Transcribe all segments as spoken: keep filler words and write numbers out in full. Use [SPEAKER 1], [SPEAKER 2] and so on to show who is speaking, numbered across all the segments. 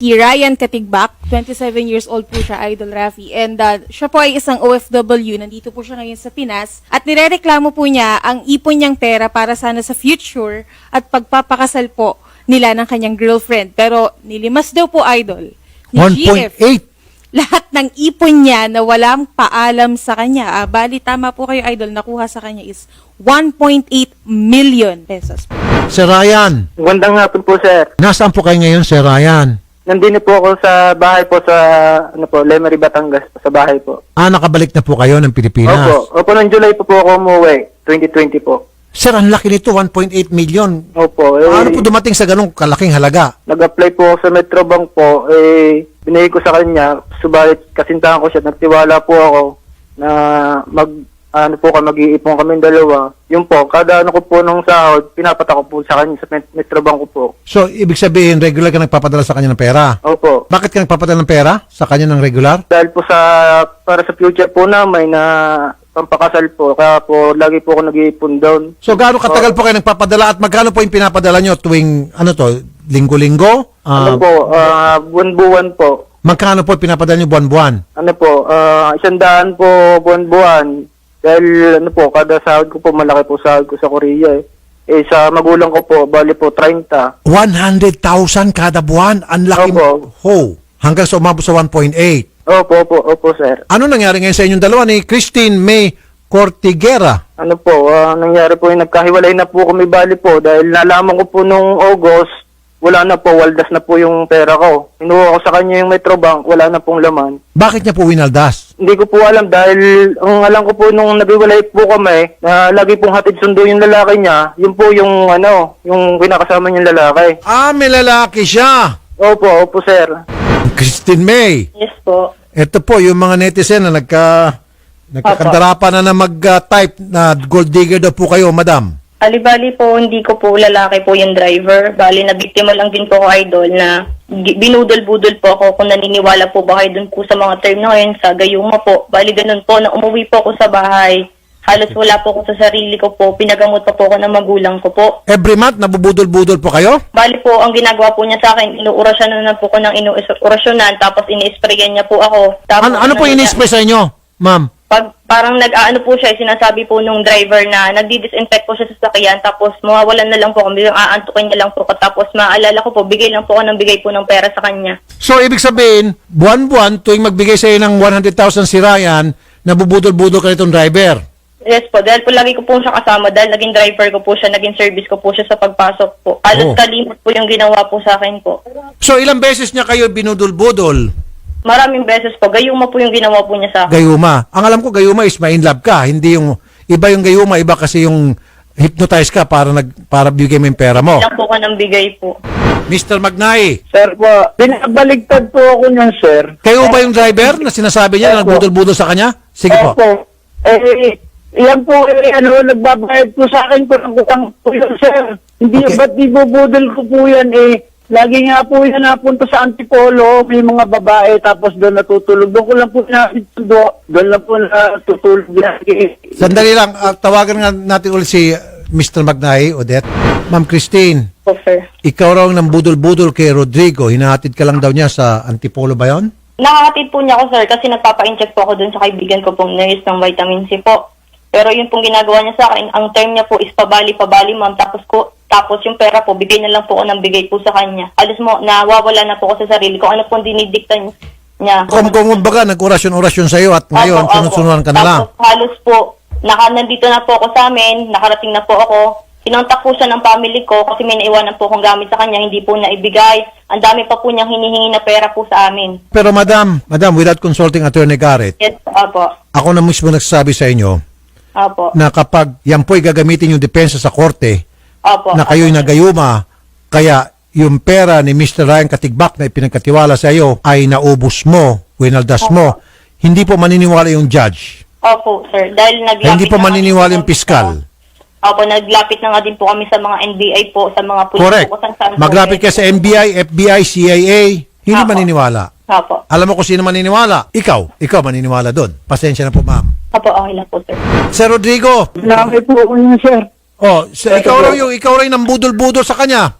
[SPEAKER 1] Si Ryan Katigbak, twenty-seven years old po siya, Idol Rafi. And uh, siya po ay isang O F W, nandito po siya ngayon sa Pinas. At nirereklamo po niya ang ipon niyang pera para sana sa future at pagpapakasal po nila ng kanyang girlfriend. Pero nilimas daw po, Idol, ni
[SPEAKER 2] one
[SPEAKER 1] G
[SPEAKER 2] point
[SPEAKER 1] F
[SPEAKER 2] eight.
[SPEAKER 1] lahat ng ipon niya na walang paalam sa kanya. Ah, bali, tama po kayo, Idol, nakuha sa kanya is one point eight million pesos.
[SPEAKER 2] Sir Ryan,
[SPEAKER 3] Magandang hapon po, sir.
[SPEAKER 2] nasaan po kayo ngayon, Sir Ryan?
[SPEAKER 3] Nandito po ako sa bahay po sa, ano po, Lemery, Batangas, sa bahay po.
[SPEAKER 2] Ah, nakabalik na po kayo ng Pilipinas.
[SPEAKER 3] Opo. Opo, noong July po po ako umuwi. twenty twenty po.
[SPEAKER 2] Sir, ang laki nito, one point eight million.
[SPEAKER 3] Opo. Eh,
[SPEAKER 2] Paano po dumating sa ganong kalaking halaga?
[SPEAKER 3] Nag-apply po ako sa Metrobank po. Eh, binigay ko sa kanya. Subalit, kasintahan ko siya. Nagtiwala po ako na mag, ano po, mag-iipon kami dalawa. Yun po, kada ano ko po nung sahod, pinapatak ko po sa kanya sa Met- Metrobank ko po.
[SPEAKER 2] So, ibig sabihin, regular ka nagpapadala sa kanya ng pera?
[SPEAKER 3] Opo.
[SPEAKER 2] Bakit ka nagpapadala ng pera sa kanya ng regular?
[SPEAKER 3] Dahil po sa, para sa future po namin na pampakasal po. Kaya po, lagi po ako nag-iipon doon.
[SPEAKER 2] So, gaano katagal po kayo nagpapadala at magkano po yung pinapadala nyo tuwing, ano to, linggo-linggo?
[SPEAKER 3] Ano
[SPEAKER 2] Ah,
[SPEAKER 3] po, ah, buwan-buwan po.
[SPEAKER 2] magkano po pinapadala nyo buwan-buwan?
[SPEAKER 3] Ano po, ah, isang daan po buwan-buwan. Dahil ano po, kada sahod ko po, malaki po sahod ko sa Korea eh. Eh, sa magulang ko po, bali po, thirty.
[SPEAKER 2] one hundred thousand kada buwan? Ang laki mo.
[SPEAKER 3] Opo.
[SPEAKER 2] Ho, hanggang sa umabot sa one point eight.
[SPEAKER 3] Opo, opo, opo, sir.
[SPEAKER 2] Ano nangyari ngayon sa inyong dalawa ni Christine May Cortiguera?
[SPEAKER 3] Ano po, ah, nangyari po yung nagkahiwalay na po kami bali po. Dahil nalaman ko po nung August, wala na po, waldas na po yung pera ko. Inuha ko sa kanya yung Metrobank, wala na pong laman.
[SPEAKER 2] Bakit niya po winaldas?
[SPEAKER 3] Hindi ko po alam dahil ang alam ko po nung naghiwalay po kami na lagi pong hatid sundo yung lalaki niya, yun po yung ano, yung kinakasama niyang lalaki.
[SPEAKER 2] Ah, may lalaki siya.
[SPEAKER 3] Opo, opo sir.
[SPEAKER 2] Christine May.
[SPEAKER 4] Yes po.
[SPEAKER 2] Ito po yung mga netizen na nagka nagkakandarapan na na mag-type na gold digger daw po kayo, madam.
[SPEAKER 4] Alibali po, hindi ko po lalaki po yung driver. Bali, nabiktima lang din po ako, idol, na gi- binudol-budol po ako kung naniniwala po ba kayo dun po sa mga term na ngayon sa gayuma po. Bali, ganun po, na umuwi po ako sa bahay. Halos wala po ako sa sarili ko po. Pinagamot pa po ako ng magulang ko po.
[SPEAKER 2] Every month, nabubudol-budol po kayo?
[SPEAKER 4] Bali po, ang ginagawa po niya sa akin, inuurasyonan na po ko ng inuurasyonan, tapos ini-sprayan niya po ako. Tapos,
[SPEAKER 2] Ano, ano po
[SPEAKER 4] niya-
[SPEAKER 2] in-spray sa inyo, ma'am?
[SPEAKER 4] Pag parang nag-aano po siya, sinasabi po nung driver na nagdi-disinfect po siya sa sasakyan, tapos mawawalan na lang po kami, aantukin niya lang po ko, tapos maalala ko po, bigay lang po ako ng bigay po ng pera sa kanya.
[SPEAKER 2] So, ibig sabihin, buwan-buwan, tuwing magbigay sa iyo ng one hundred thousand si Ryan, nabubudol-budol ka nitong driver.
[SPEAKER 4] Yes po, dahil po lagi ko po siya kasama, dahil naging driver ko po siya, naging service ko po siya sa pagpasok po.
[SPEAKER 2] Oh.
[SPEAKER 4] Halos kalimot po yung ginawa po sa akin po.
[SPEAKER 2] So, ilang beses niya kayo binudol-budol?
[SPEAKER 4] Maraming beses po, gayuma po yung ginawa po niya sa akin.
[SPEAKER 2] Gayuma. Ang alam ko, gayuma is ma-in love ka. Hindi yung, iba yung gayuma, iba kasi yung hypnotize ka para nag para bigay mo yung pera mo.
[SPEAKER 4] Lang po ka ng bigay po.
[SPEAKER 2] Mister Magnay,
[SPEAKER 3] Sir po, binabaligtad po ako niyan sir.
[SPEAKER 2] kayo ba yung driver na sinasabi niya na
[SPEAKER 3] Opo.
[SPEAKER 2] nagbudol-budol sa kanya? Sige po.
[SPEAKER 3] Opo. Eh, yan po, eh, ano, nagbabayad po sa akin po ng utang po yun sir. Hindi,
[SPEAKER 2] Okay.
[SPEAKER 3] ba't di bubudol ko po yan eh. Lagi nga po yan napunta sa Antipolo, may mga babae, tapos doon natutulog. Doon ko lang po nakitundo, doon lang po natutulog lagi.
[SPEAKER 2] Sandali lang, ah, tawagan nga natin ulit si uh, Mister Magnay, Odette. Ma'am Christine,
[SPEAKER 4] Po, sir.
[SPEAKER 2] ikaw raw nang budol-budol kay Rodrigo. Hinahatid ka lang daw niya sa Antipolo ba yun?
[SPEAKER 4] Nakakatid po niya ako, sir, kasi nagpapa-inject po ako dun sa kaibigan ko pong nurse ng vitamin C po. Pero yun pong ginagawa niya sa akin, ang term niya po is pabali-pabali, ma'am. Tapos ko, tapos yung pera po, bigay na lang po ako ng bigay po sa kanya. Alos mo, nawawala na po ako sa sarili ko. Ano pong dinidikta niya.
[SPEAKER 2] Kung kung baga, nag-orasyon-orasyon sa'yo at ngayon,
[SPEAKER 4] Opo, opo.
[SPEAKER 2] sunod-sunuran ka na lang.
[SPEAKER 4] Tapos halos po, naka, nandito na po ako sa amin, nakarating na po ako. Sinontak po siya ng family ko kasi may naiwanan po akong gamit sa kanya, hindi po naibigay. Ang dami pa po niyang hinihingi na pera po sa amin.
[SPEAKER 2] Pero madam, madam, without consulting Attorney Garrett,
[SPEAKER 4] Yes, opo.
[SPEAKER 2] ako na mismo nagsasabi sa inyo
[SPEAKER 4] Opo.
[SPEAKER 2] na kapag yan po'y gagamitin yung depensa sa korte,
[SPEAKER 4] Opo.
[SPEAKER 2] na kayo'y nagayuma, kaya yung pera ni Mister Ryan Katigbak na ipinagkatiwala sa iyo ay naubos mo, winaldas mo, hindi po maniniwala yung judge.
[SPEAKER 4] Opo, sir. Dahil naglapit
[SPEAKER 2] Hindi po
[SPEAKER 4] na nga
[SPEAKER 2] maniniwala
[SPEAKER 4] din
[SPEAKER 2] yung
[SPEAKER 4] po-
[SPEAKER 2] piskal.
[SPEAKER 4] Opo, naglapit na nga din po kami sa mga N B I po, sa mga pulis
[SPEAKER 2] Correct.
[SPEAKER 4] po kung saan-saan po.
[SPEAKER 2] Maglapit ka sa N B I, F B I, C I A, hindi
[SPEAKER 4] Opo.
[SPEAKER 2] maniniwala.
[SPEAKER 4] Opo.
[SPEAKER 2] Alam mo kung sino maniniwala? Ikaw. Ikaw maniniwala doon. Pasensya na po, ma'am.
[SPEAKER 4] Opo, okay lang po, sir.
[SPEAKER 2] Sir Rodrigo,
[SPEAKER 3] Laki po ko yun sir.
[SPEAKER 2] oh, sa, ikaw raw yung ikaw raw yung nambudol-budol sa kanya.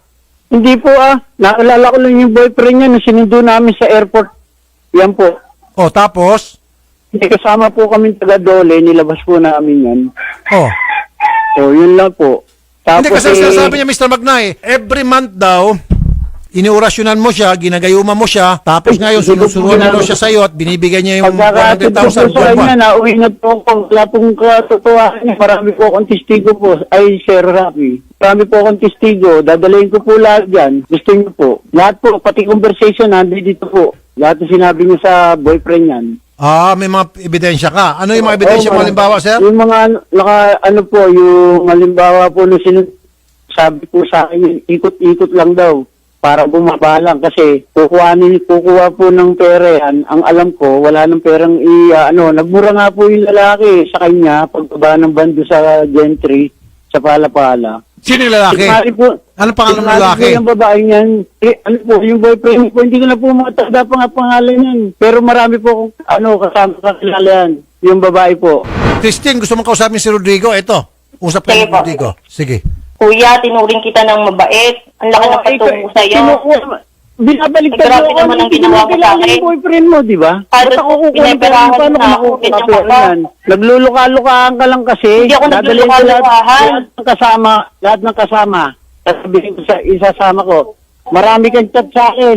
[SPEAKER 5] Hindi po ah. Naalala ko lang yung boyfriend niya na sinundo namin sa airport. Yan po.
[SPEAKER 2] O, tapos?
[SPEAKER 5] Hindi kasama po kami taga Dole. Nilabas po namin yan.
[SPEAKER 2] Oh.
[SPEAKER 5] So, yun lang po. Tapos,
[SPEAKER 2] Hindi kasi
[SPEAKER 5] eh,
[SPEAKER 2] sinasabi niya, Mister Magnay, every month daw, iniorasyonan mo siya, ginagayuma mo siya, tapos ngayon sinusuruan na daw siya sa'yo at binibigay niya yung one hundred
[SPEAKER 5] pagkakatid ko po
[SPEAKER 2] thousand
[SPEAKER 5] sa kanya,
[SPEAKER 2] buwan-buwan.
[SPEAKER 5] nauwi na po ako. Wala pong katotohanan niya. Marami po akong testigo po. Ay, Sir Rafi. Marami po akong testigo. Dadalayin ko po lahat yan. Gusto niyo po. Lahat po, pati conversation, nandito dito po. Lahat yung sinabi niyo sa boyfriend yan.
[SPEAKER 2] Ah, may mga ebidensya ka. Ano yung mga ebidensya
[SPEAKER 5] Oo,
[SPEAKER 2] mo,
[SPEAKER 5] ma'am.
[SPEAKER 2] halimbawa, sir?
[SPEAKER 5] Yung mga, naka, ano po, yung halimbawa po nung sinu- sabi po sa akin, yun, ikot-ikot lang daw para bumaba lang kasi kukuha, ni, kukuha po ng pera yan. Ang alam ko, wala ng perang i, ah, ano, nagmura nga po yung lalaki sa kanya pagbaba ng bando sa gentry sa Palapala.
[SPEAKER 2] Sino yung lalaki?
[SPEAKER 5] Sinali po,
[SPEAKER 2] Anong pangalan ng
[SPEAKER 5] sinali
[SPEAKER 2] lalaki?
[SPEAKER 5] po yung babae niyan. Eh, ano po, yung boyfriend po, hindi ko na po matanda pa nga pangalan yan. Pero marami po akong, ano, kasama kakilala yan. Yung babae po.
[SPEAKER 2] Christine, gusto mong kausapin si Rodrigo? Ito, usap kayo
[SPEAKER 4] Sige
[SPEAKER 2] ni
[SPEAKER 4] po.
[SPEAKER 2] Rodrigo. Sige.
[SPEAKER 4] Kuya, tinuring kita ng mabait. Ang laki ng
[SPEAKER 5] Oh,
[SPEAKER 4] patungo
[SPEAKER 5] ikaw-
[SPEAKER 4] sa'yo.
[SPEAKER 5] kinukuha- Binabalik
[SPEAKER 4] Eh, grabe naman ang ginawa mo sa akin.
[SPEAKER 5] Yung boyfriend mo, di ba?
[SPEAKER 4] Halos
[SPEAKER 5] Ba't ako kukunin
[SPEAKER 4] pinaperahan
[SPEAKER 5] ko? Paano
[SPEAKER 4] na
[SPEAKER 5] ko
[SPEAKER 4] ako,
[SPEAKER 5] makukuha
[SPEAKER 4] ganyan
[SPEAKER 5] pera
[SPEAKER 4] ka ba?
[SPEAKER 5] yan? Nagluluka-lukaan ka lang kasi.
[SPEAKER 4] Hindi ako
[SPEAKER 5] Dadalhin ko
[SPEAKER 4] nagluluka-lukahan.
[SPEAKER 5] Lahat, lahat ng kasama, lahat ng kasama. Sasabihin ko sa isasama ko. Marami kang chat sa akin.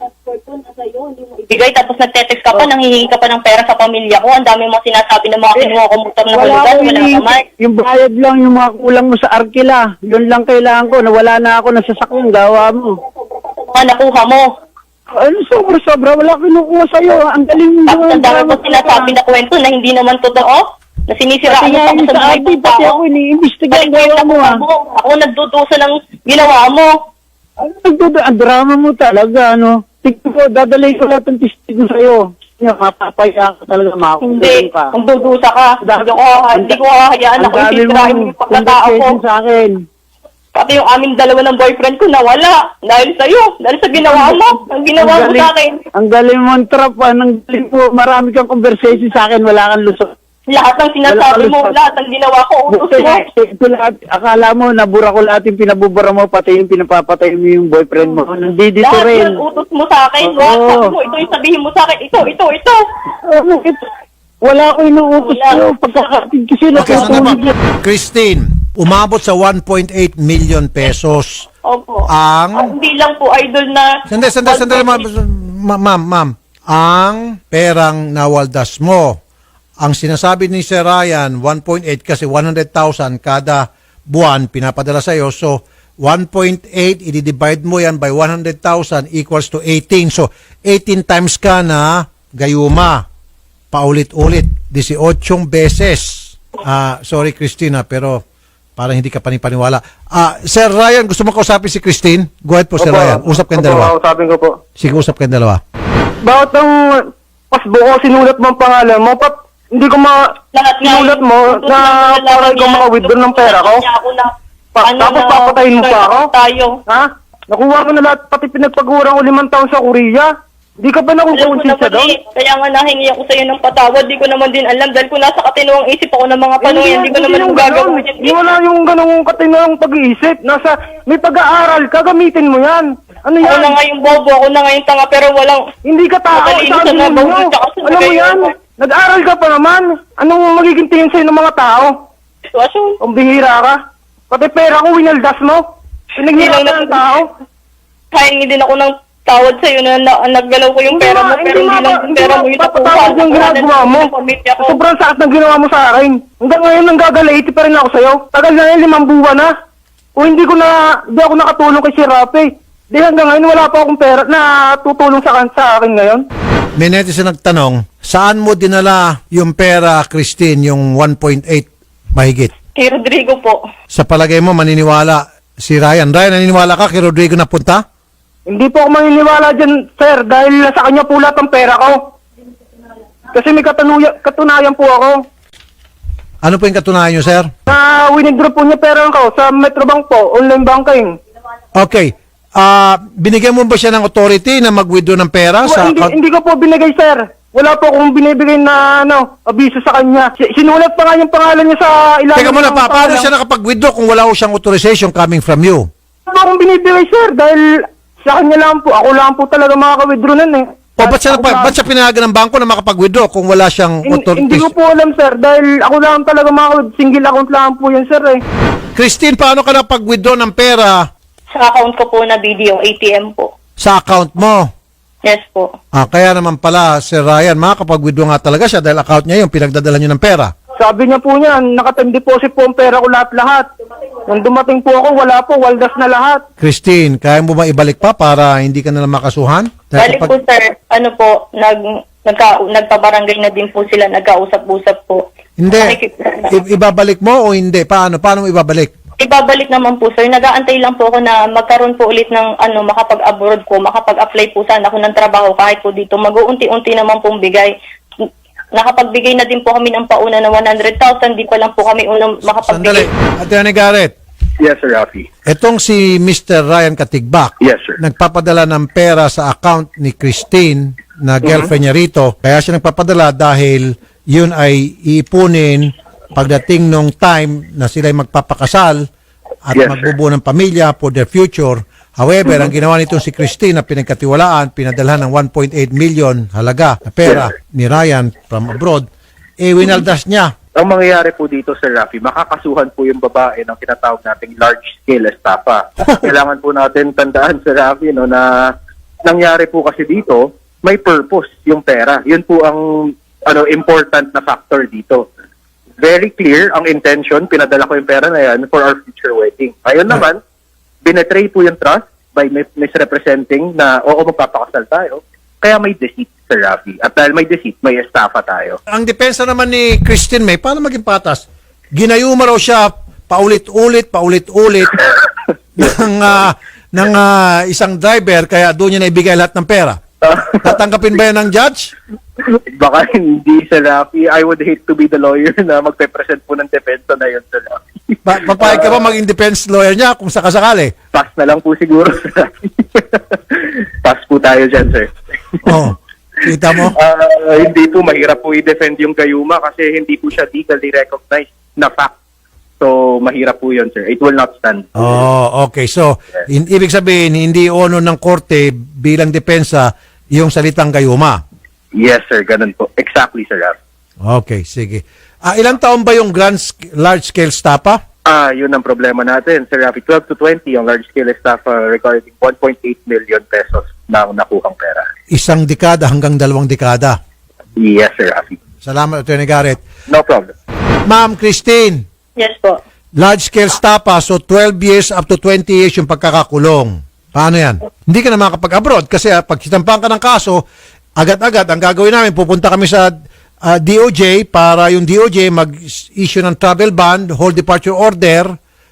[SPEAKER 4] Bigay tapos nagte-text ka pa, nanghihingi ka pa ng pera sa pamilya ko. Ang dami mo sinasabi ng mga kinuha ko motor na
[SPEAKER 5] Wala
[SPEAKER 4] hulugan,
[SPEAKER 5] ko
[SPEAKER 4] wala
[SPEAKER 5] hinihingi.
[SPEAKER 4] naman.
[SPEAKER 5] Yung bayad lang, yung mga kulang mo sa arkila. Yun lang kailangan ko. Nawala na ako ng sasakyan. Gawa mo.
[SPEAKER 4] Ah, nakuha mo.
[SPEAKER 5] Ano, sobra-sobra. Wala kinukuha sa'yo. Ang galing mo.
[SPEAKER 4] Tapos ang dami mo sinasabi na kwento na hindi naman totoo. Na sinisiraan
[SPEAKER 5] Pati
[SPEAKER 4] mo
[SPEAKER 5] nga
[SPEAKER 4] pa
[SPEAKER 5] yung
[SPEAKER 4] sa
[SPEAKER 5] sa
[SPEAKER 4] mga
[SPEAKER 5] atin,
[SPEAKER 4] ibang
[SPEAKER 5] pati
[SPEAKER 4] tao.
[SPEAKER 5] ako iniimbestiga ang
[SPEAKER 4] Balik
[SPEAKER 5] gawa
[SPEAKER 4] mo
[SPEAKER 5] mo
[SPEAKER 4] yung
[SPEAKER 5] ah.
[SPEAKER 4] mo. Ako nagdudusa ng ginawa mo.
[SPEAKER 5] Ano nagdudu, ang drama mo talaga, ano. Tignan ko, dadalhin ko lahat ng testigo sa'yo. Nga, mapapaya ka talaga, makakulit
[SPEAKER 4] Hindi,
[SPEAKER 5] ka.
[SPEAKER 4] kung dudusa ka, hindi ko, hindi ko hahayaan na
[SPEAKER 5] Ang
[SPEAKER 4] kung
[SPEAKER 5] dami
[SPEAKER 4] sisirain mo
[SPEAKER 5] mong
[SPEAKER 4] yung pagkatao ko.
[SPEAKER 5] conversation sa akin.
[SPEAKER 4] Pati yung aming dalawa ng boyfriend ko nawala. Dahil sa'yo. Dahil sa ginawa mo. Ang ginawa mo sa akin.
[SPEAKER 5] Ang galing mong trap, ah. Ang galing mo, marami kang conversation sa akin, wala kang lusot.
[SPEAKER 4] Lahat ng sinasabi
[SPEAKER 5] Wala
[SPEAKER 4] mo,
[SPEAKER 5] ka lusot.
[SPEAKER 4] lahat ng ginawa ko, utos
[SPEAKER 5] Buti,
[SPEAKER 4] mo.
[SPEAKER 5] ito lahat, akala mo, nabura ko lahat yung pinabubura mo, pati yung pinapapatay mo yung boyfriend mo. Nandito
[SPEAKER 4] Lahat
[SPEAKER 5] rin.
[SPEAKER 4] yun, utos mo sa akin.
[SPEAKER 5] Oo.
[SPEAKER 4] Lahat sabi mo, ito yung sabihin mo sa akin. Ito, ito, ito.
[SPEAKER 5] Ano, ito, wala ko inuutos
[SPEAKER 4] Wala.
[SPEAKER 5] sa'yo. Pagkakatid kasi na
[SPEAKER 2] Okay, sandali po. Christine, umabot sa one point eight million pesos.
[SPEAKER 4] Opo.
[SPEAKER 2] Ang...
[SPEAKER 4] Ah, hindi lang po, idol na...
[SPEAKER 2] Sandali, sandali, sandali, ma'am, Ma- ma'am, ma'am. Ang perang nawaldas mo. Ang sinasabi ni Sir Ryan, one point eight kasi one hundred thousand kada buwan pinapadala sa iyo. So, one point eight, i-divide mo yan by one hundred thousand equals to eighteen. So, eighteen times ka na gayuma. Paulit-ulit. eighteen beses. Ah, sorry, Christina, pero parang hindi ka panipaniwala. Ah, Sir Ryan, gusto mo kausapin si Christine? Go ahead po, Sir
[SPEAKER 3] Opo,
[SPEAKER 2] Ryan. Usap kayong
[SPEAKER 3] opo,
[SPEAKER 2] dalawa.
[SPEAKER 3] kausapin ko po.
[SPEAKER 2] Sige, usap kayong dalawa.
[SPEAKER 3] Bakit ang pasbo ko sinulat mo ang pangalan mo? Pat, hindi ko ma...
[SPEAKER 4] Lahat nga
[SPEAKER 3] Sinulat
[SPEAKER 4] yun.
[SPEAKER 3] mo
[SPEAKER 4] Utos
[SPEAKER 3] na
[SPEAKER 4] lang ng
[SPEAKER 3] para
[SPEAKER 4] lalaki
[SPEAKER 3] ikaw
[SPEAKER 4] niya.
[SPEAKER 3] maka-withdraw ng pera ko?
[SPEAKER 4] Niya ako na,
[SPEAKER 3] Pa-
[SPEAKER 4] ano
[SPEAKER 3] tapos
[SPEAKER 4] na,
[SPEAKER 3] papatayin mo pa ako?
[SPEAKER 4] Tayo.
[SPEAKER 3] Ha? Nakuha mo na lahat, pati pinagpagurang ko limang taon sa Korea. Di ka ba
[SPEAKER 4] Alam ko
[SPEAKER 3] nakukonsensya
[SPEAKER 4] naman
[SPEAKER 3] doon?
[SPEAKER 4] eh, kaya nga nahingi ako sa'yo ng patawad, di ko naman din alam dahil kung nasa katinuang isip ako ng mga panong yan, di ko naman
[SPEAKER 3] yung
[SPEAKER 4] yung gagawin
[SPEAKER 3] ganun.
[SPEAKER 4] yan.
[SPEAKER 3] Hindi wala yung ganong katinong pag-iisip. Nasa, may pag-aaral ka, gamitin mo yan. Ano
[SPEAKER 4] Ako
[SPEAKER 3] yan?
[SPEAKER 4] na nga yung bobo, ako na nga yung tanga, pero walang...
[SPEAKER 3] Hindi ka tao,
[SPEAKER 4] Matalino
[SPEAKER 3] sabi
[SPEAKER 4] sa
[SPEAKER 3] mo.
[SPEAKER 4] nabawal, tsaka sa
[SPEAKER 3] Alam mo
[SPEAKER 4] magayon.
[SPEAKER 3] yan? Nag-aral ka pa naman. Anong magiging tingin sa'yo ng mga tao?
[SPEAKER 4] Sitwasyon.
[SPEAKER 3] Kung bihira ka. Pati pera ko, winaldas mo. Pinaghirapan
[SPEAKER 4] Hindi lang
[SPEAKER 3] ng tao.
[SPEAKER 4] Kahingi din ako ng tawad sa'yo na, na naggalaw ko yung
[SPEAKER 3] Hindi
[SPEAKER 4] pera
[SPEAKER 3] ma-
[SPEAKER 4] mo, pero hindi lang yung pera mo yung
[SPEAKER 3] papatawad yung ginagawa mo.
[SPEAKER 4] Pamilya ko.
[SPEAKER 3] Sobrang sakit ng ginawa mo sa akin. Hanggang ngayon nang gagalaiti pa rin ako sa'yo. Tagal na yan, limang buwan na. O hindi ko na, hindi ako nakatulong kay si Rafi. Di hanggang ngayon wala pa akong pera na tutulong sa, kan- sa akin ngayon.
[SPEAKER 2] May netizen nagtanong, saan mo dinala yung pera, Christine, yung one point eight mahigit?
[SPEAKER 4] Kay Rodrigo po.
[SPEAKER 2] Sa palagay mo, maniniwala si Ryan. Ryan, naniniwala ka kay Rodrigo na punta?
[SPEAKER 3] Hindi po ako maniniwala dyan, sir, dahil sa kanya po lahat ang pera ko. Kasi may katunuya, katunayan po ako.
[SPEAKER 2] Ano po yung katunayan nyo, sir?
[SPEAKER 3] Na winidraw po niya pera ko sa Metrobank po, online banking.
[SPEAKER 2] Okay. Ah, binigyan mo ba siya ng authority na mag-withdraw ng pera?
[SPEAKER 3] Well,
[SPEAKER 2] sa
[SPEAKER 3] hindi, hindi ko po binigay, sir. Wala po akong binibigay na ano, abiso sa kanya. Si- Sinulat pa nga yung pangalan niya sa ilalim.
[SPEAKER 2] Teka muna,
[SPEAKER 3] ng
[SPEAKER 2] pa, paano
[SPEAKER 3] pangalan.
[SPEAKER 2] siya nakapag-withdraw kung wala ko siyang authorization coming from you?
[SPEAKER 3] Ano akong binibigay, sir? Dahil sa kanya lang po, ako lang po talaga makaka-withdraw nun eh.
[SPEAKER 2] O, ba't siya,
[SPEAKER 3] Ako
[SPEAKER 2] nagpa-
[SPEAKER 3] lang-
[SPEAKER 2] ba't siya pinayagan ng bangko na makapag-withdraw kung wala siyang
[SPEAKER 3] Hin-
[SPEAKER 2] authority?
[SPEAKER 3] Hindi ko po alam, sir. Dahil ako lang talaga makaka- single account lang po yun, sir eh.
[SPEAKER 2] Christine, paano ka napag-withdraw ng pera
[SPEAKER 4] Sa account ko po na video, A T M po.
[SPEAKER 2] sa account mo?
[SPEAKER 4] Yes po.
[SPEAKER 2] Ah, kaya naman pala, Sir Ryan, makakapag-withdraw nga talaga siya dahil account niya yung pinagdadala niyo ng pera.
[SPEAKER 3] Sabi niya po niya, nakatime deposit po ang pera ko lahat-lahat. Nung dumating po ako, wala po, waldas na lahat.
[SPEAKER 2] Christine, kaya mo ba ibalik pa para hindi ka na lang makasuhan?
[SPEAKER 4] Bali
[SPEAKER 2] Dahil
[SPEAKER 4] po sir, ano po, nag, nagka, nagpabarangay na din po sila, nagkausap-usap po.
[SPEAKER 2] hindi,
[SPEAKER 4] Nakikip-
[SPEAKER 2] i- ibabalik mo o hindi? Paano? Paano mo ibabalik?
[SPEAKER 4] Ibabalik naman po sir, nag-aantay lang po ako na magkaroon po ulit ng ano, makapag-abroad ko, makapag-apply po sana ako ng trabaho kahit po dito. Mag-uunti-unti naman pong bigay. Nakapagbigay na din po kami ng pauna na one hundred thousand, di pa lang po kami unang
[SPEAKER 2] Sandali.
[SPEAKER 4] makapagbigay.
[SPEAKER 2] Attorney Garrett,
[SPEAKER 6] Yes, Sir Rafi.
[SPEAKER 2] etong si Mister Ryan Katigbak,
[SPEAKER 6] Yes, sir.
[SPEAKER 2] nagpapadala ng pera sa account ni Christine na girlfriend niya rito. Kaya siya nagpapadala dahil yun ay iipunin pagdating nung time na sila ay magpapakasal at
[SPEAKER 6] Yes, sir.
[SPEAKER 2] magbubuo ng pamilya for their future. However, ang ginawa nitong si Christine na pinagkatiwalaan, pinadalhan ng one point eight million halaga na pera
[SPEAKER 6] Yes,
[SPEAKER 2] ni Ryan from abroad, eh winaldas niya.
[SPEAKER 6] Ang mangyayari po dito, Sir Rafi, makakasuhan po yung babae ng tinatawag nating large-scale estafa. Kailangan po natin tandaan, Sir Rafi, no, na nangyari po kasi dito, may purpose yung pera. Yun po ang ano important na factor dito. Very clear ang intention, pinadala ko yung pera na yan for our future wedding. Ayun naman, binetray po yung trust by mis- misrepresenting na oo, magpapakasal tayo. Kaya may deceit, Sir Rafi. At dahil may deceit, may estafa tayo.
[SPEAKER 2] Ang depensa naman ni Christine May, paano maging patas? Ginayuma raw siya paulit-ulit, paulit-ulit ng, ah, ng ah, isang driver, kaya doon niya naibigay lahat ng pera. Tatanggapin ba yan ng judge?
[SPEAKER 6] Baka hindi, Sir Rafi. I would hate to be the lawyer na magpe-present po ng depensa na yun, Sir Rafi.
[SPEAKER 2] Pa- papayag ka ba maging defense lawyer niya kung sakasakali?
[SPEAKER 6] Pass na lang po siguro, Sir Rafi. Pass po tayo dyan, sir.
[SPEAKER 2] Oh, kita mo?
[SPEAKER 6] Ah, hindi po, mahirap po i-defend yung gayuma kasi hindi po siya legally recognized na fact. So, mahirap po yun, sir. It will not stand.
[SPEAKER 2] Oh, okay. So, in- ibig sabihin, hindi ono ng korte bilang depensa yung salitang gayuma.
[SPEAKER 6] Yes, sir. Ganun po. Exactly, Sir Rafi.
[SPEAKER 2] Okay, sige. Ah, ilang taon ba yung grand sk- large-scale stapa?
[SPEAKER 6] Ah, yun ang problema natin, Sir Rafi. twelve to twenty ang large-scale estafa regarding one point eight million pesos na nakuhang pera.
[SPEAKER 2] Isang dekada hanggang dalawang dekada.
[SPEAKER 6] Yes, Sir Rafi.
[SPEAKER 2] Salamat, Attorney Garrett.
[SPEAKER 6] No problem.
[SPEAKER 2] Ma'am Christine,
[SPEAKER 4] Yes po.
[SPEAKER 2] large-scale stapa, so twelve years up to twenty years yung pagkakakulong. Paano yan? Hindi ka na makapag-abroad kasi ah, pag sitampahan ka ng kaso, agad-agad ang gagawin namin, pupunta kami sa ah, D O J para yung D O J mag-issue ng travel ban, hold departure order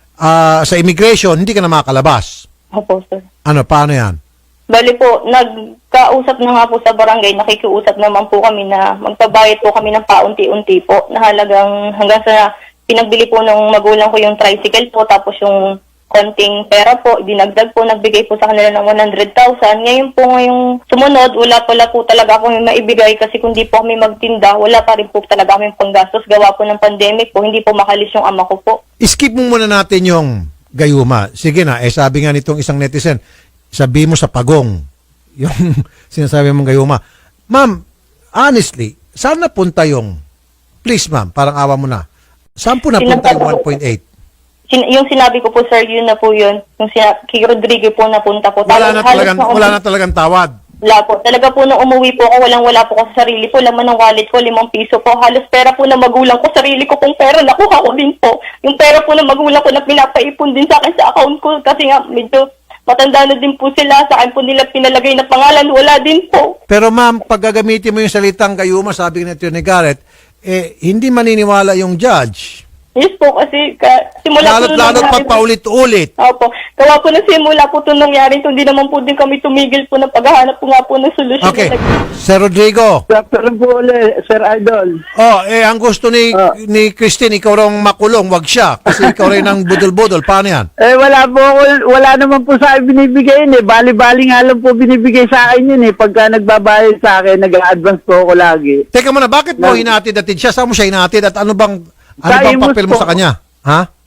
[SPEAKER 2] ah, sa immigration, hindi ka na makakalabas.
[SPEAKER 4] Opo sir.
[SPEAKER 2] Ano, paano yan?
[SPEAKER 4] Bali po, nagkausap na nga po sa barangay, nakikiusap naman po kami na magpabayad po kami ng paunti-unti po na halagang hanggang sa pinagbili po ng magulang ko yung tricycle po, tapos yung konting pera po, dinagdag po, nagbigay po sa kanila ng one hundred thousand. Ngayon po ngayong sumunod, wala pala po talaga akong maibigay kasi kung di po kami magtinda, wala pa rin po talaga kami panggastos. Gawa po ng pandemic po, hindi po makalis yung ama ko po.
[SPEAKER 2] Skip mo muna natin yung gayuma. Sige na, eh sabi nga nitong isang netizen, sabi mo sa pagong, yung sinasabi mong gayuma. Ma'am, honestly, saan napunta yung, please ma'am, parang awa mo na, saan po napunta yung one point eight?
[SPEAKER 4] Sin- yung sinabi ko po sir, yun na po yun. Yung sina- kay Rodrigo po napunta po.
[SPEAKER 2] Wala na
[SPEAKER 4] Halos
[SPEAKER 2] talagang,
[SPEAKER 4] na-
[SPEAKER 2] wala na talagang tawad.
[SPEAKER 4] Wala po. Talaga po nung umuwi po ako, walang-wala po ko sa sarili ko. Laman ng wallet ko, limang piso po. Halos pera po ng magulang ko, sarili ko pong pera, nakuha ko din po. Yung pera po ng magulang ko na pinapaipon din sa akin sa account ko. Kasi nga, medyo matanda na din po sila. Sa akin po nila pinalagay na pangalan, wala din po.
[SPEAKER 2] Pero ma'am, pag gagamitin mo yung salitang gayuma, sabi ni Atty. Garrett, eh, hindi maniniwala yung judge.
[SPEAKER 4] Yes po, kasi ka, simula po
[SPEAKER 2] Lalo't
[SPEAKER 4] nung
[SPEAKER 2] lalo't
[SPEAKER 4] nangyari
[SPEAKER 2] pag
[SPEAKER 4] po-
[SPEAKER 2] paulit-ulit.
[SPEAKER 4] Opo. Gawa po na simula po ito nangyari. Hindi naman po din kami tumigil po ng paghahanap po nga po ng solusyon.
[SPEAKER 2] Okay. Sir Rodrigo,
[SPEAKER 5] Doctor po ulit, Sir Idol.
[SPEAKER 2] oh, eh, ang gusto ni,
[SPEAKER 5] Ah.
[SPEAKER 2] ni Christine, ikaw raw makulong, wag siya. Kasi ikaw rin ang budol-budol. Paano yan?
[SPEAKER 5] Eh, wala po ako, wala naman po sa akin binibigay yun eh. Bali-bali nga lang po binibigay sa akin yun eh. Pagka nagbabayad sa akin, nag-a-advance po ako lagi.
[SPEAKER 2] Teka muna, bakit mo
[SPEAKER 5] Nang-
[SPEAKER 2] hinatid-atid siya? Saan mo siya hinatid? At ano bang, ano
[SPEAKER 5] Sa
[SPEAKER 2] bang
[SPEAKER 5] Imus
[SPEAKER 2] papel mo
[SPEAKER 5] po.
[SPEAKER 2] sa kanya? Ha?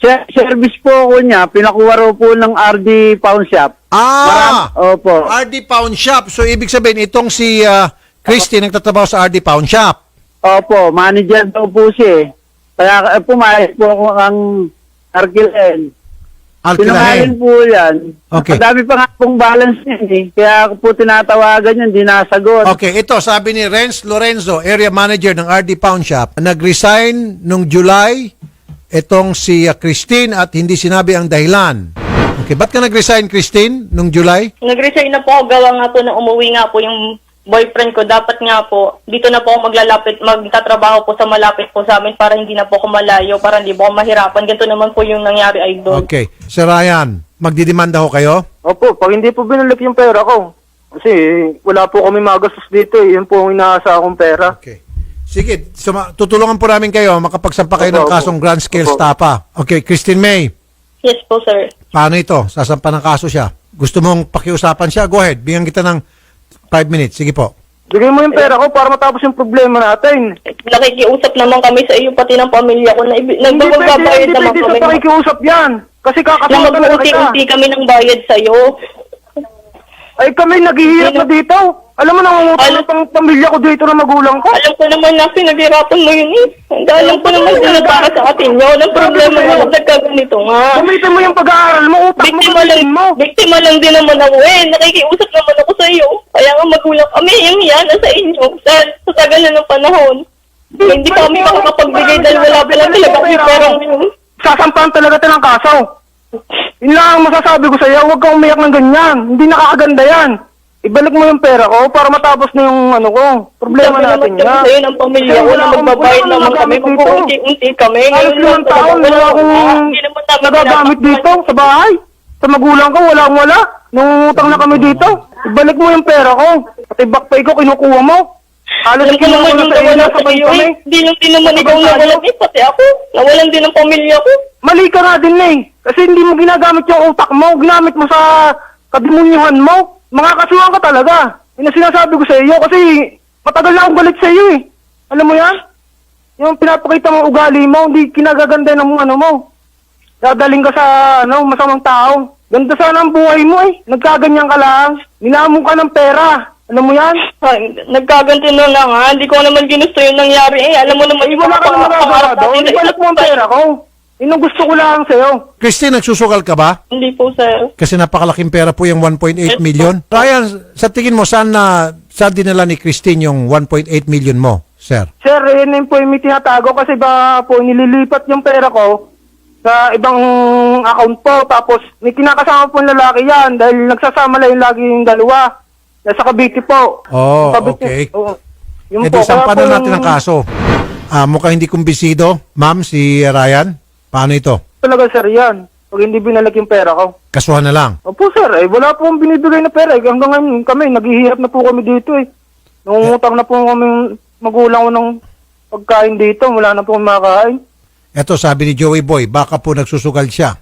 [SPEAKER 5] Ser- service po ako niya, pinakuha raw po ng R D Pawn Shop.
[SPEAKER 2] Ah!
[SPEAKER 5] Maram- Opo.
[SPEAKER 2] R D Pawn Shop. So, ibig sabihin, itong si ah, Christy nagtatrabaho sa R D Pawn Shop.
[SPEAKER 5] Opo, manager daw po siya eh. Kaya eh, pumayag po ako ang Arkilen. Pinangalin
[SPEAKER 2] Alkilahin.
[SPEAKER 5] po yan.
[SPEAKER 2] Okay.
[SPEAKER 5] Madami pa nga pong balance niyan eh. Kaya ako po tinatawagan yun, di nasagot.
[SPEAKER 2] Okay, ito, sabi ni Renz Lorenzo, area manager ng R D Pawn Shop, nag-resign nung July itong si ah, Christine at hindi sinabi ang dahilan. Okay, ba't ka nag-resign, Christine, nung July?
[SPEAKER 4] Nag-resign na po ako, gawa nga po na umuwi nga po yung boyfriend ko. Dapat nga po, dito na po ako maglalapit, magtatrabaho po sa malapit po sa amin para hindi na po ako malayo, para hindi po ako mahirapan. Ganito naman po yung nangyari, Idol.
[SPEAKER 2] Okay. Sir Ryan, magdidemanda ho kayo?
[SPEAKER 3] Opo, pag hindi po binalik yung pera ko, kasi wala po kami magastos dito eh. Yun po ang inaasa akong pera.
[SPEAKER 2] Okay. Sige, suma- tutulungan po namin kayo makapagsampa kayo ng
[SPEAKER 3] Opo,
[SPEAKER 2] kasong
[SPEAKER 3] opo.
[SPEAKER 2] grand scale
[SPEAKER 3] Opo.
[SPEAKER 2] stapa. Okay, Christine May,
[SPEAKER 4] Yes po, sir.
[SPEAKER 2] paano ito? Sasampa ng kaso siya. Gusto mong pakiusapan siya? Go ahead. Bigyan kita ng five minutes. Sige po.
[SPEAKER 3] Bigay mo yung pera ko para matapos yung problema natin.
[SPEAKER 4] Nakikiusap naman kami sa iyo, pati ng pamilya ko, na ibi-
[SPEAKER 3] Hindi pwede,
[SPEAKER 4] nagbabayad
[SPEAKER 3] hindi
[SPEAKER 4] naman
[SPEAKER 3] pwede
[SPEAKER 4] kami.
[SPEAKER 3] sa pakikiusap yan. Kasi
[SPEAKER 4] Na
[SPEAKER 3] kakatawa talaga kita.
[SPEAKER 4] mag-unti-unti kami ng bayad sa iyo.
[SPEAKER 3] Ay kami naghihirap na dito. Alam mo, nangungutang
[SPEAKER 4] Alam-
[SPEAKER 3] ng pang pamilya ko dito ng magulang ko.
[SPEAKER 4] Alam ko naman na pinaghirapan mo yun eh. Alam ko naman din na para sa atin yun. Ang problema mo kung nagkaganito nga.
[SPEAKER 3] Gamitin mo yung pag-aaral mo, utak mo,
[SPEAKER 4] Biktima lang,
[SPEAKER 3] gamitin mo.
[SPEAKER 4] biktima lang din naman ako eh. Nakikiusap naman ako sa iyo. Kaya nga magulang kami, yung yan, sa inyo. Sa, sa tagal na ng panahon. Hindi pa kami makakapagbigay dahil wala pa lang talaga kami perang yun.
[SPEAKER 3] Sasampahan talaga tayo ng kaso. Yun lang ang masasabi ko sa iyo, huwag kang umiyak ng ganyan. Hindi nakakaganda yan. Ibalik mo yung pera ko para matapos na yung ano ko. Problema
[SPEAKER 4] Sabi
[SPEAKER 3] natin
[SPEAKER 4] naman kami
[SPEAKER 3] yan.
[SPEAKER 4] sa'yo ng pamilya
[SPEAKER 3] Kasi
[SPEAKER 4] ko
[SPEAKER 3] wala
[SPEAKER 4] na
[SPEAKER 3] akong-
[SPEAKER 4] magbabayad
[SPEAKER 3] wala
[SPEAKER 4] naman
[SPEAKER 3] akong
[SPEAKER 4] kami.
[SPEAKER 3] nagamit dito.
[SPEAKER 4] Mag-unti-unti kami.
[SPEAKER 3] Halos
[SPEAKER 4] Ngayon lang
[SPEAKER 3] limang taon,
[SPEAKER 4] talaga.
[SPEAKER 3] wala akong
[SPEAKER 4] Hindi naman namin
[SPEAKER 3] nagagamit
[SPEAKER 4] pinapakuan.
[SPEAKER 3] dito sa bahay. Sa magulang ko, wala akong wala. Nung utang na kami dito, ibalik mo yung pera ko. Pati back pay ko, kinukuha mo. Halos
[SPEAKER 4] Alam ko
[SPEAKER 3] kinuha
[SPEAKER 4] naman
[SPEAKER 3] ko na
[SPEAKER 4] yung
[SPEAKER 3] sa iyo,
[SPEAKER 4] nawala sa
[SPEAKER 3] sabay
[SPEAKER 4] iyo
[SPEAKER 3] kami.
[SPEAKER 4] eh. Hindi lang din naman ikaw nawalan eh. Pati ako. Nawalan din ang pamilya ko.
[SPEAKER 3] Mali ka nga din eh. Kasi hindi mo ginagamit yung utak mo. Ginamit mo sa kadimunyuhan mo. Mga kasuhan ka talaga. Yun ang sinasabi ko sa iyo kasi matagal na akong galit sa iyo eh. Alam mo yan? Yung pinapakita mong ugali mo, hindi kinagaganda ng ano mo. Dadaling ka sa ano, masamang tao. Ganda sana ang buhay mo eh. Nagkaganyan ka lang. Ninamon ka ng pera. Alam mo yan?
[SPEAKER 4] Ay, nagkaganti na lang ha. Hindi ko naman ginusto yung nangyari eh. Alam mo naman
[SPEAKER 3] Ay, wala ka naman nagagawa doon. Ibalik mo ang pera ko. Yun ang gusto ko lang sa'yo.
[SPEAKER 2] Christine, nagsusukal ka ba?
[SPEAKER 4] Hindi po, sir.
[SPEAKER 2] Kasi napakalaking pera po yung one point eight million. Ryan, sa tingin mo, saan na, saan dinala ni Christine yung one point eight million mo, sir?
[SPEAKER 3] Sir, yun yung po yung may tinatago kasi ba po nililipat yung pera ko sa ibang account po. Tapos may kinakasama po yung lalaki yan dahil nagsasama lang yung lagi yung dalawa. Nasa Cavite po.
[SPEAKER 2] Oh,
[SPEAKER 3] Cavite.
[SPEAKER 2] okay.
[SPEAKER 3] Oo. Yun
[SPEAKER 2] E
[SPEAKER 3] po.
[SPEAKER 2] di,
[SPEAKER 3] Kaya
[SPEAKER 2] sampanan
[SPEAKER 3] po
[SPEAKER 2] natin
[SPEAKER 3] yung-
[SPEAKER 2] ang kaso. Ah, mukhang hindi kumbisido. Ma'am, si Ryan, paano ito?
[SPEAKER 3] Talaga sir yan. Pag hindi binalik yung pera ko.
[SPEAKER 2] Kasuhan na lang.
[SPEAKER 3] Opo sir, eh wala po akong binibigay na pera. Eh. Hanggang ngayon kami, naghihirap na po kami dito eh. Nangungutang na po kami magulang ko ng pagkain dito. Wala na po makakain.
[SPEAKER 2] Eto, sabi ni Joey Boy, baka po nagsusugal siya.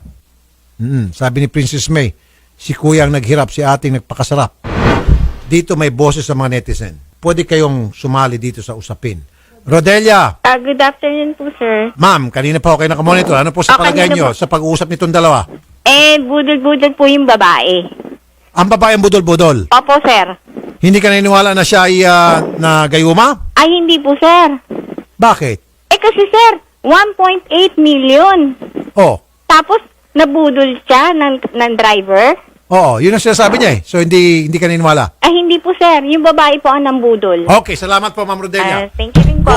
[SPEAKER 2] Mm, sabi ni Princess May, si kuya ang naghirap, si ating nagpakasarap. Dito may boses sa mga netizen. Pwede kayong sumali dito sa usapin. Rodelia,
[SPEAKER 7] Ah, good afternoon po, sir.
[SPEAKER 2] ma'am, kanina pa ako kayo nakamonitor. Ano po sa
[SPEAKER 7] Ah,
[SPEAKER 2] palagay
[SPEAKER 7] kanina
[SPEAKER 2] nyo
[SPEAKER 7] po.
[SPEAKER 2] sa pag-uusap nitong dalawa?
[SPEAKER 7] Eh, budol-budol po yung babae.
[SPEAKER 2] Ang babae ang budol-budol.
[SPEAKER 7] Opo, sir.
[SPEAKER 2] Hindi ka naniniwala na siya ay ah, na gayuma?
[SPEAKER 7] Ay, hindi po, sir.
[SPEAKER 2] Bakit?
[SPEAKER 7] Eh, kasi, sir, one point eight million.
[SPEAKER 2] Oh,
[SPEAKER 7] Tapos, nabudol siya ng, ng driver.
[SPEAKER 2] oo, yun ang sinasabi niya eh. So hindi hindi ka naniniwala.
[SPEAKER 7] Ay, hindi po, sir. Yung babae po ang nambudol.
[SPEAKER 2] Okay, salamat po, Ma'am Rodelia.
[SPEAKER 7] Ah, thank you rin po.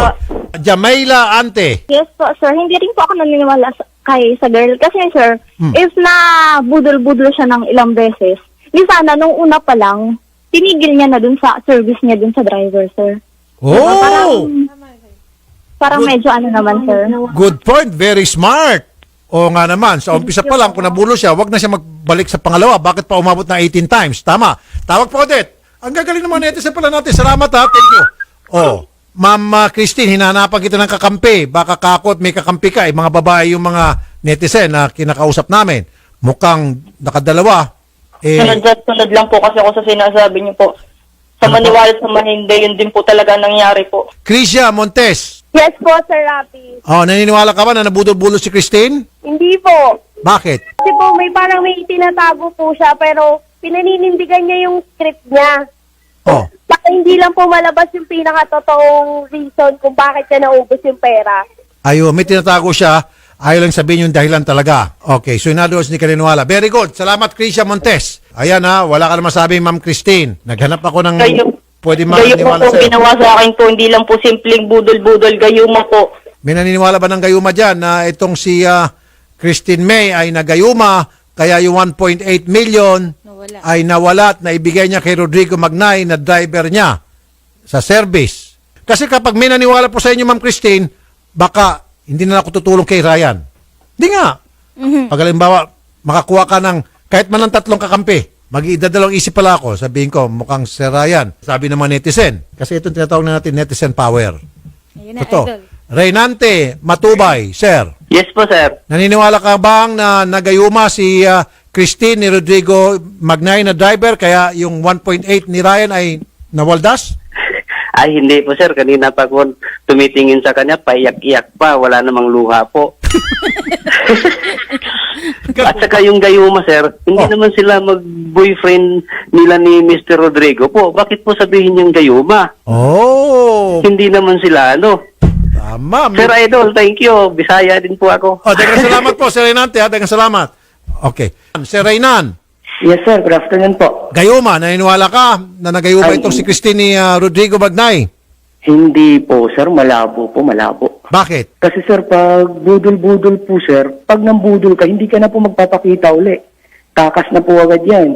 [SPEAKER 2] Jamaila Ante.
[SPEAKER 8] Yes po, sir. Hindi rin po ako naniniwala sa, kay sa girl. Kasi, sir,
[SPEAKER 2] Hmm.
[SPEAKER 8] if na budol-budol siya ng ilang beses, di sana nung una pa lang, tinigil niya na dun sa service niya dun sa driver, sir.
[SPEAKER 2] Oh,
[SPEAKER 8] Parang
[SPEAKER 2] Good.
[SPEAKER 8] medyo ano naman, sir.
[SPEAKER 2] good point. Very smart. O nga naman, sa umpisa pa lang, kung nabulo siya, wag na siya magbalik sa pangalawa. Bakit pa umabot na eighteen times? Tama. Tawag po, Odette. Ang gagaling ng mga netizen pala natin. Salamat ha. Thank you. Oh, Ma'am uh, Christine, hinanapan kita ng kakampi. Baka kakot, may kakampi ka. Eh, mga babae yung mga netizen na kinakausap namin. Mukhang nakadalawa. Eh,
[SPEAKER 4] Sunod-sunod lang po kasi ako sa sinasabi niyo po. Sa
[SPEAKER 2] Ano po?
[SPEAKER 4] maniwala sa mahindi, yun din po talaga nangyari po.
[SPEAKER 2] Crisia Montes,
[SPEAKER 8] Yes po, Sir Rafi.
[SPEAKER 2] Oh, naniniwala ka ba na nabudol-budol si Christine?
[SPEAKER 8] Hindi po.
[SPEAKER 2] Bakit?
[SPEAKER 8] Kasi po, may parang may tinatago po siya, pero pinaninindigan niya yung script niya.
[SPEAKER 2] Oh.
[SPEAKER 8] Baka hindi lang po malabas yung pinakatotoong reason kung bakit siya naubos yung pera.
[SPEAKER 2] Ayo, may tinatago siya. Ayaw lang sabihin yung dahilan talaga. Okay, so in other words, hindi ka niniwala. Very good. Salamat, Krisha Montes. Ayan ha, wala ka na masabi, Ma'am Christine. Naghanap ako ng
[SPEAKER 4] Gayo,
[SPEAKER 2] pwede
[SPEAKER 4] gayo po
[SPEAKER 2] maniniwala
[SPEAKER 4] po
[SPEAKER 2] sa'yo.
[SPEAKER 4] ginawa sa akin po, hindi lang po simpleng budol-budol, gayuma po.
[SPEAKER 2] May naniniwala ba ng gayuma dyan na itong si ah, Christine May ay nagayuma, kaya yung one point eight million
[SPEAKER 1] Nawala.
[SPEAKER 2] ay nawala at naibigay niya kay Rodrigo Magnay na driver niya sa service. Kasi kapag may naniwala po sa inyo, Ma'am Christine, baka hindi na ako tutulong kay Ryan. Hindi nga. Pag halimbawa, makakuha ka ng kahit man ng tatlong kakampi, mag-iidadalawang isip pala ako, sabihin ko, mukhang si Ryan. Sabi ng mga netizen. Kasi itong tinatawag na natin netizen power.
[SPEAKER 1] Ayun na,
[SPEAKER 2] Ito.
[SPEAKER 1] Idol.
[SPEAKER 2] Reynante Matubay, sir.
[SPEAKER 3] Yes po, sir.
[SPEAKER 2] Naniniwala ka bang na nagayuma si ah, Christine ni Rodrigo Magnay na driver kaya yung one point eight ni Ryan ay nawaldas?
[SPEAKER 5] Ay, hindi po sir. Kanina pa ko tumitingin sa kanya, paiyak-iyak pa. Wala namang luha po. At saka yung gayuma sir, hindi
[SPEAKER 2] Oh.
[SPEAKER 5] naman sila mag-boyfriend nila ni Mister Rodrigo po. Bakit po sabihin niyang gayuma?
[SPEAKER 2] Oh,
[SPEAKER 5] Hindi naman sila ano.
[SPEAKER 2] tama.
[SPEAKER 5] Sir Idol, thank you. Bisaya din po ako.
[SPEAKER 2] Oh, dagang salamat po, Sir Reynante. Ha? Dagang salamat. Okay. Sir Reynan,
[SPEAKER 3] Yes, sir. Good afternoon po.
[SPEAKER 2] gayuma, naniniwala ka na nagayuma
[SPEAKER 3] Ay,
[SPEAKER 2] itong si Christine ni ah, Rodrigo Magnay?
[SPEAKER 3] Hindi po, sir. Malabo po, malabo.
[SPEAKER 2] Bakit?
[SPEAKER 3] Kasi sir, pag budol-budol po, sir, pag nambudol ka, hindi ka na po magpapakita uli. Takas na po agad yan.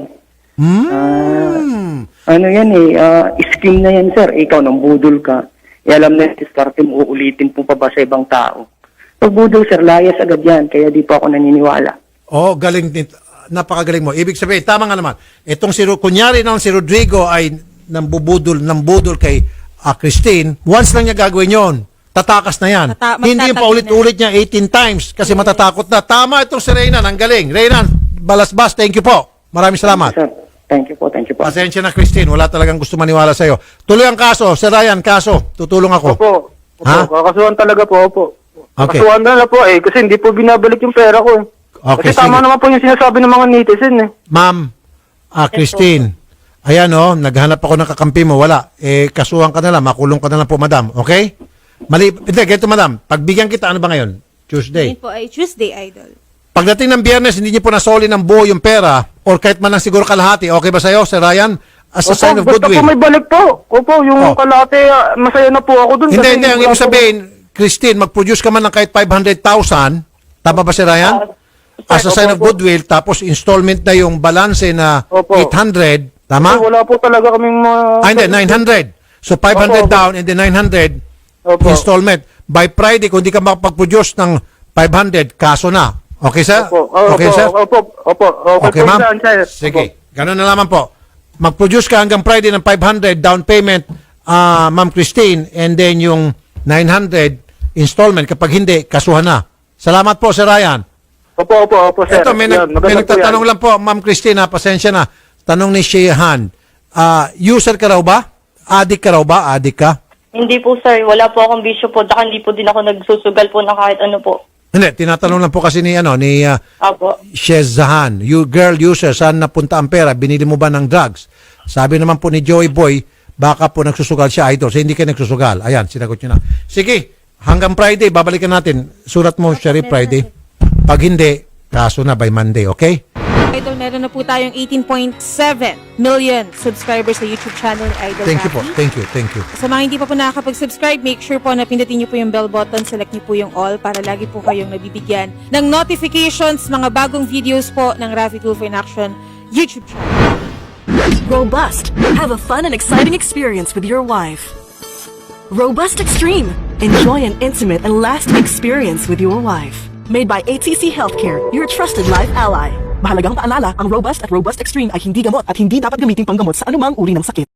[SPEAKER 2] Hmm.
[SPEAKER 3] Ano yan eh, ah, scheme na yan, sir. Ikaw, nambudol ka. E alam na yung diskarte mo, uulitin po pa ba sa ibang tao. Pag budol, sir, layas agad yan. Kaya di po ako naniniwala.
[SPEAKER 2] Oh, galing din. Napakagaling mo. Ibig sabihin, tama nga naman. Itong si, Ro- kunyari nang si Rodrigo ay nambubudol, nambudol kay ah, Christine, once lang niya gagawin yon, tatakas na yan.
[SPEAKER 1] Tata-
[SPEAKER 2] Hindi yung
[SPEAKER 1] magtatag
[SPEAKER 2] paulit-ulit niya eighteen times kasi matatakot na. Tama itong si Reynan. Ang galing. Reynan, balasbas, thank you po. Maraming salamat.
[SPEAKER 3] Sir, thank you po, thank you po.
[SPEAKER 2] Pasensya na, Christine. Wala talagang gusto maniwala sa'yo. Tuloy ang kaso. Sir Ryan, kaso. Tutulong ako.
[SPEAKER 3] Opo. Opo,
[SPEAKER 2] Ha?
[SPEAKER 3] kakasuhan talaga po, opo.
[SPEAKER 2] Okay.
[SPEAKER 3] Kakasuhan na lang po eh, kasi hindi po binabalik yung pera ko eh.
[SPEAKER 2] Okay,
[SPEAKER 3] kasi tama
[SPEAKER 2] sige.
[SPEAKER 3] naman po yung sinasabi ng mga netizen eh.
[SPEAKER 2] Ma'am, ah, Christine, ayan o, naghanap ako ng kakampi mo, wala. Eh, kasuhan ka na lang, makulong ka na lang po, madam. Okay? Mali, hindi, ganito, madam. Pagbigyan kita, ano ba ngayon? Tuesday.
[SPEAKER 1] Ngayon po ay Tuesday, Idol.
[SPEAKER 2] Pagdating ng Biyernes, hindi niyo po nasoli ng buo yung pera or kahit man lang siguro kalahati. Okay ba sa'yo, Sir Ryan? As a sign of
[SPEAKER 3] basta
[SPEAKER 2] goodwill.
[SPEAKER 3] po may balik po. Opo, yung
[SPEAKER 2] Oh.
[SPEAKER 3] kalate, ah, masaya na po ako dun.
[SPEAKER 2] Hindi,
[SPEAKER 3] kasi
[SPEAKER 2] hindi. Ang
[SPEAKER 3] wala
[SPEAKER 2] ibig
[SPEAKER 3] po-
[SPEAKER 2] sabihin, Christine, mag-produce ka man ng kahit five hundred thousand. Tama ba, Sir Ryan? As a sign of goodwill, tapos installment na yung balanse na
[SPEAKER 3] Opo.
[SPEAKER 2] eight hundred.
[SPEAKER 3] Kasi
[SPEAKER 2] Tama?
[SPEAKER 3] wala po talaga kaming mga...
[SPEAKER 2] Ah, hindi, nine hundred. So, five hundred
[SPEAKER 3] Opo, opo.
[SPEAKER 2] down and then nine hundred
[SPEAKER 3] Opo.
[SPEAKER 2] installment. By Friday, kung di ka makapag-produce ng five hundred, kaso na. Okay, sir?
[SPEAKER 3] Opo, oh,
[SPEAKER 2] Okay,
[SPEAKER 3] opo,
[SPEAKER 2] sir?
[SPEAKER 3] Opo, opo, okay,
[SPEAKER 2] Okay,
[SPEAKER 3] po
[SPEAKER 2] ma'am?
[SPEAKER 3] yan, sir.
[SPEAKER 2] Sige.
[SPEAKER 3] Opo.
[SPEAKER 2] Ganun na naman po. Mag-produce ka hanggang Friday ng five hundred down payment, ah, Ma'am Christine, and then yung nine hundred installment. Kapag hindi, kasuhan na. Salamat po, Sir Ryan.
[SPEAKER 3] Opo, opo, opo, sir.
[SPEAKER 2] Ito, may,
[SPEAKER 3] Yan,
[SPEAKER 2] nag, may
[SPEAKER 3] maganda po
[SPEAKER 2] nagtatanong
[SPEAKER 3] yan.
[SPEAKER 2] lang po, Ma'am Christine, ha, pasensya na. Tanong ni Sheehan, ah, user ka raw ba? Addict ka raw ba? Addict ka?
[SPEAKER 4] Hindi po sir, wala po akong bisyo po, daka hindi po din ako nagsusugal po ng kahit ano po.
[SPEAKER 2] Hindi, tinatanong lang po kasi ni, ano, ni ah,
[SPEAKER 4] Apo.
[SPEAKER 2] Shezahan, you girl user, saan napunta ang pera? Binili mo ba ng drugs? Sabi naman po ni Joey Boy, baka po nagsusugal siya, idol. So, hindi kayo nagsusugal. Ayan, sinagot nyo na. Sige, hanggang Friday, babalikan natin. Surat mo, Sherry, Friday. Pag hindi, kaso na by Monday, okay?
[SPEAKER 1] Idol, meron na po tayong eighteen point seven million subscribers sa YouTube channel ni Idol
[SPEAKER 2] Thank you po.
[SPEAKER 1] Rafi.
[SPEAKER 2] Thank you, thank you.
[SPEAKER 1] Sa mga hindi pa po nakakapag-subscribe, make sure po na pindutin niyo po yung bell button, select niyo po yung all para lagi po kayong nabibigyan ng notifications, mga bagong videos po ng Rafi Tulfo in Action YouTube channel.
[SPEAKER 9] Robust. Have a fun and exciting experience with your wife. Robust Extreme. Enjoy an intimate and lasting experience with your wife. Made by A T C Healthcare, your trusted life ally. Mahalagang paalala, ang Robust at Robust Extreme ay hindi gamot at hindi dapat gamitin panggamot sa anumang uri ng sakit.